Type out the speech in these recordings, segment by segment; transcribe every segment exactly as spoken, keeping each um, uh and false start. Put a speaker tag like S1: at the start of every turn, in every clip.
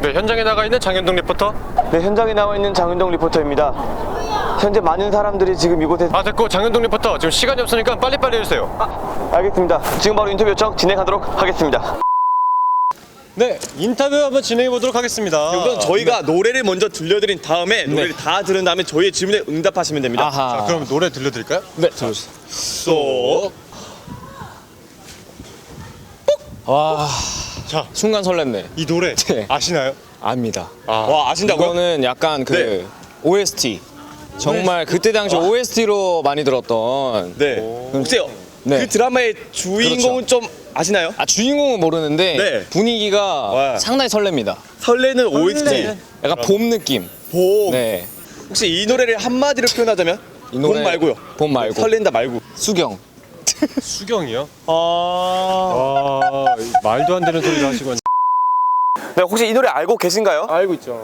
S1: 네, 현장에 나가 있는 장현동 리포터.
S2: 네, 현장에 나와 있는 장윤동 리포터입니다. 현재 많은 사람들이 지금 이곳에
S1: 아, 됐고 장현동 리포터 지금 시간이 없으니까 빨리빨리 해주세요.
S2: 아, 알겠습니다. 지금 바로 인터뷰 요청 진행하도록 하겠습니다.
S1: 네, 인터뷰 한번 진행해 보도록 하겠습니다.
S3: 우선 저희가 노래를 먼저 들려드린 다음에 노래를 다 들은 다음에 저희의 질문에 응답하시면 됩니다.
S1: 자, 그럼 노래 들려드릴까요?
S3: 네, 들어주세요. 쏙.
S4: 와,
S1: 자,
S4: 순간 설렜네.
S1: 이 노래
S4: 네.
S1: 아시나요?
S4: 압니다.
S1: 아,
S3: 와, 아신다고요?
S4: 이거는 약간 그
S3: 네.
S4: 오에스티. 정말 그때 당시 오에스티로 많이 들었던.
S3: 네. 혹시
S4: 네.
S3: 그 드라마의 주인공은 좀 아시나요?
S4: 아, 주인공은 모르는데
S3: 네.
S4: 분위기가
S3: 와.
S4: 상당히 설렙니다.
S3: 설레는 오에스티.
S4: 약간 봄 느낌.
S3: 봄.
S4: 네.
S3: 혹시 이 노래를 한마디로 표현하자면?
S4: 이 노래-
S3: 봄 말고요.
S4: 봄 말고.
S3: 설렌다 말고.
S4: 수경.
S1: 수경이요?
S3: 아.
S1: 아, 말도 안 되는 소리를 하시고.
S2: 네, 혹시 이 노래 알고 계신가요?
S3: 알고 있죠.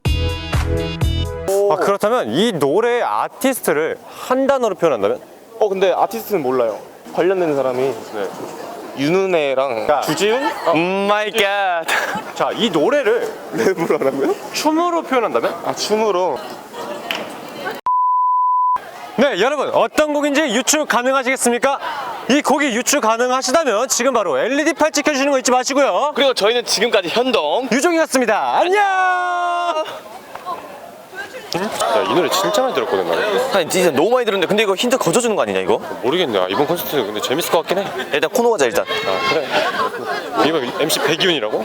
S1: 아, 그렇다면 이 노래의 아티스트를 한 단어로 표현한다면?
S5: 어 근데 아티스트는 몰라요. 관련된 사람이 네. 윤은혜랑
S1: 자.
S5: 주지훈?
S2: 오 마이 갓.
S1: 자, 이 노래를
S5: 랩으로 하라고요?
S1: 춤으로 표현한다면?
S5: 아 춤으로.
S1: 네, 여러분 어떤 곡인지 유추 가능하시겠습니까? 이 곡이 유추 가능하시다면 지금 바로 엘이디 팔찌 켜주시는 거 잊지 마시고요.
S3: 그리고 저희는 지금까지 현동.
S1: 유종이었습니다. 안녕. 야, 이 노래 진짜 많이 들었거든 나는.
S2: 아니, 진짜 너무 많이 들었는데 근데 이거 힌트 거저 주는 거 아니냐 이거?
S1: 모르겠네. 아, 이번 콘서트 근데 재밌을 것 같긴 해.
S2: 일단 코너 가자 일단.
S1: 아, 그래. 이거 엠씨 백이훈이라고?